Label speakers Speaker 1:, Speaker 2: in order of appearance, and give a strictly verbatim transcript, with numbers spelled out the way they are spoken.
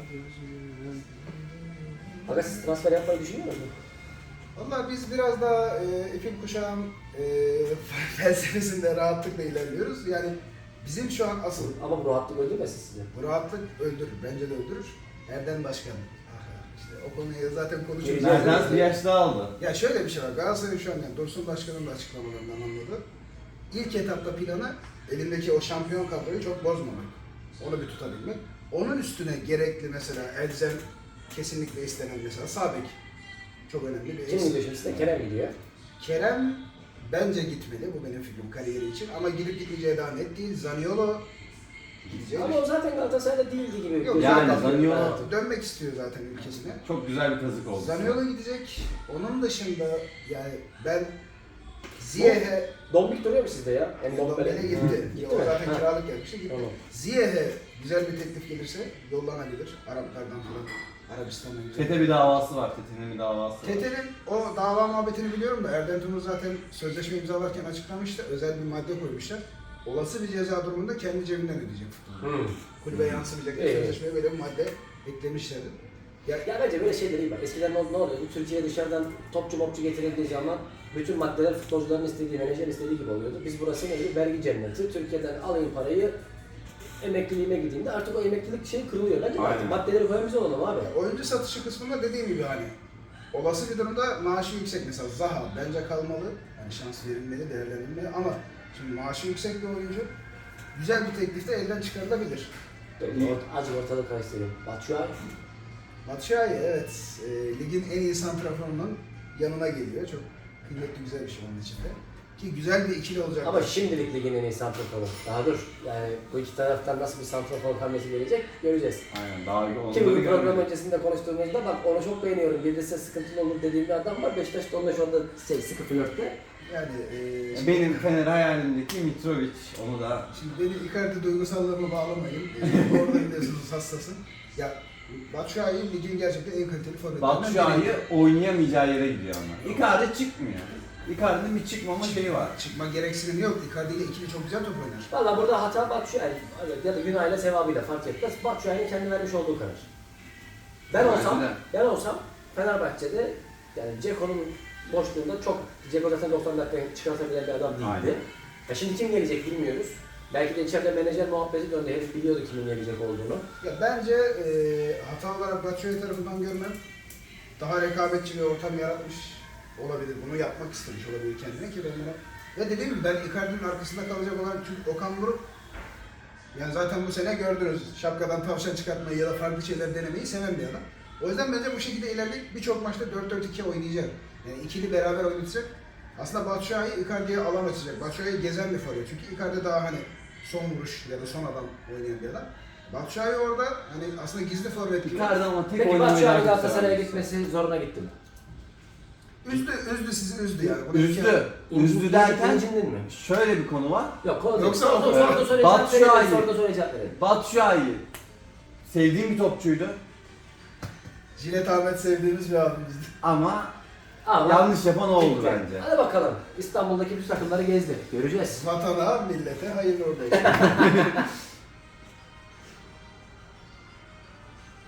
Speaker 1: Aga siz transfer yapmayı düşünüyor musunuz?
Speaker 2: Valla biz biraz daha e, ipin kuşağın e, felsefesinde rahatlıkla ilerliyoruz. Yani bizim şu an asıl
Speaker 1: Ama bu rahatlık öldürmesin sizi.
Speaker 2: bu rahatlık öldürür, bence de öldürür. Erdem Başkan. Ah, işte o konuyu zaten konuşuyoruz.
Speaker 1: Geleceğiz.
Speaker 3: Nereden bir yaş daha aldı.
Speaker 2: Ya şöyle bir şey var, Galatasaray şu an yani Dursun Başkan'ın da açıklamalarından anladı. İlk etapta planı elindeki o şampiyon kadroyu çok bozmamak. Onu bir tutabilmek. Onun üstüne gerekli mesela elzem kesinlikle istenen mesela sağ bek. Çok önemli bir
Speaker 1: Kim
Speaker 2: eksik.
Speaker 1: gidiyor şimdi size? Kerem gidiyor.
Speaker 2: Kerem bence gitmeli, bu benim fikrim kariyeri için ama gidip gitmeyeceği daha net değil. Zaniolo gidecek.
Speaker 1: Ama o zaten Galatasaray'da değildi gibi.
Speaker 2: Yok,
Speaker 3: Yani
Speaker 2: zaten
Speaker 3: Zaniolo-
Speaker 2: dönmek istiyor zaten ülkesine.
Speaker 3: Çok güzel bir kazık oldu.
Speaker 2: Zaniolo gidecek. Onun dışında yani ben Ziyech'e
Speaker 1: Dombik duruyor mu sizde ya?
Speaker 2: Ndombele gitti.
Speaker 1: Gitti
Speaker 2: O
Speaker 1: mi?
Speaker 2: zaten
Speaker 1: Ha.
Speaker 2: kiralık gelmişti gitti.
Speaker 1: Tamam.
Speaker 2: Ziyech'e güzel bir teklif gelirse yollanabilir. Araplardan falan, Arabistan'dan güzel.
Speaker 3: Tete bir davası var. Tete'nin bir davası var.
Speaker 2: Tete'nin o dava muhabbetini biliyorum da Erdem Tümur zaten sözleşme imzalarken açıklamıştı. Özel bir madde koymuşlar. Olası bir ceza durumunda kendi cebinden ödeyecek futbolu.
Speaker 1: Hmm.
Speaker 2: Kulübe yansımayacak bir
Speaker 1: Evet.
Speaker 2: sözleşmeye böyle bir madde eklemişlerdi. Ya,
Speaker 1: Ya bence böyle şeyler iyi bak. Eskiden ne, ne oluyordu? Türkiye'ye dışarıdan topçu mopçu getirildiği zaman bütün maddeler futbolcuların istediği, menajer istediği gibi oluyordu. Biz burası neydi? Vergi cenneti. Türkiye'den alayım parayı, emekliliğime gideyim de artık o emeklilik şey kırılıyor. Bence
Speaker 3: Aynen.
Speaker 1: artık maddeleri koyan biz olalım abi.
Speaker 2: oyuncu satışı kısmında dediğim gibi hani olası bir durumda maaşı yüksek mesela Zaha bence kalmalı. Yani şans verilmeli, değerlendirilmeli ama şimdi maaşı yüksek bir oyuncu güzel bir teklifte elden çıkarılabilir.
Speaker 1: Böyle ort- azıcık ortalık karıştırayım. Batshuayi.
Speaker 2: Batshuayi evet e, ligin en iyi santraforunun yanına geliyor. Çok kıymetli güzel bir şey onun içinde. Ki güzel bir ikili olacak.
Speaker 1: Ama şimdilik ligin en iyi santraforu. Daha dur. Yani bu iki taraftan nasıl bir santrafor hamlesi gelecek göreceğiz.
Speaker 3: Aynen. Daha onları
Speaker 1: Ki bu program
Speaker 3: görmedik.
Speaker 1: öncesinde konuştuğumuzda bak onu çok beğeniyorum. Gelirse sıkıntılı olur dediğim bir adam var. Beşiktaş'ta onunla şu anda şey, sıkı flörtte.
Speaker 2: Yani e,
Speaker 3: Benim Fener hayalimdeki Mitrovic. Onu da
Speaker 2: şimdi beni Icardi duygusallığıma bağlamayın. E, orada biliyorsunuz hassasım. Ya Batshuayi ligin gerçekten en kaliteli forvetlerinden
Speaker 3: Batshuayi
Speaker 2: biri.
Speaker 3: oynayamayacağı yere gidiyor ama. Icardi çıkmıyor. Icardi'nin bir çıkmama şeyi var.
Speaker 2: Çıkma gereksinimi yok. Icardi ile ikili çok güzel top oynar.
Speaker 1: Valla burada hata Batshuayi ya da günahıyla sevabıyla fark etmez. Batshuayi'nin kendi vermiş olduğu karar. Ben
Speaker 3: Bence
Speaker 1: olsam,
Speaker 3: de.
Speaker 1: ben olsam Fenerbahçe'de yani Ceko'nun boşluğunda çok Ceko zaten doksan dakika çıkartabilen bir adam değildi.
Speaker 3: Aynen.
Speaker 1: Ya şimdi kim gelecek bilmiyoruz. Belki de içeride menajer muhabbeti döndü. Herif biliyordu kimin gelecek olduğunu.
Speaker 2: Ya bence e, hata olarak Batshuayi tarafından görmem daha rekabetçi bir ortam yaratmış olabilir. Bunu yapmak istemiş olabilir kendine ki ben buna... Ve dediğim gibi ben Icardi'nin arkasında kalacak olan çünkü Okan Buruk yani zaten bu sene gördünüz şapkadan tavşan çıkartmayı ya da farklı şeyler denemeyi seven bir adam. O yüzden bence bu şekilde ilerleyip birçok maçta dört dört iki oynayacak. Yani ikili beraber oynatacak. Aslında Batshuayi Icardi'ye alan açacak. Batshuayi gezen bir forvet. Çünkü Icardi daha hani son vuruş ya da son adam oynayan bir adam. Batshuayi orada hani aslında gizli forvet gibi.
Speaker 3: Icardi ama tek
Speaker 1: Peki
Speaker 3: oynamayı
Speaker 1: Batshuayi
Speaker 3: daha çok
Speaker 1: Galatasaray'a
Speaker 3: seven.
Speaker 1: gitmesi zoruna gitti mi?
Speaker 2: Üzdü, üzdü sizi üzdü yani. Bunu
Speaker 3: Üzdü. Üzdü derken
Speaker 1: İncindin mi?
Speaker 3: şöyle bir konu var.
Speaker 1: Yok konu
Speaker 2: Yoksa
Speaker 1: Yoksa
Speaker 2: o-
Speaker 1: sorduğu soruya cevap
Speaker 3: Batshuayi.
Speaker 1: verelim. Sorduğu soruya cevap verelim.
Speaker 3: Batshuayi sevdiğim bir topçuydu
Speaker 2: Jilet Ahmet sevdiğimiz bir abimizdi.
Speaker 3: ama
Speaker 1: Ama
Speaker 3: yanlış yapan oldu
Speaker 1: gitti.
Speaker 3: bence.
Speaker 1: Hadi bakalım. İstanbul'daki bütün takımları gezdi. Göreceğiz.
Speaker 2: Vatana, millete hayırlı olsun.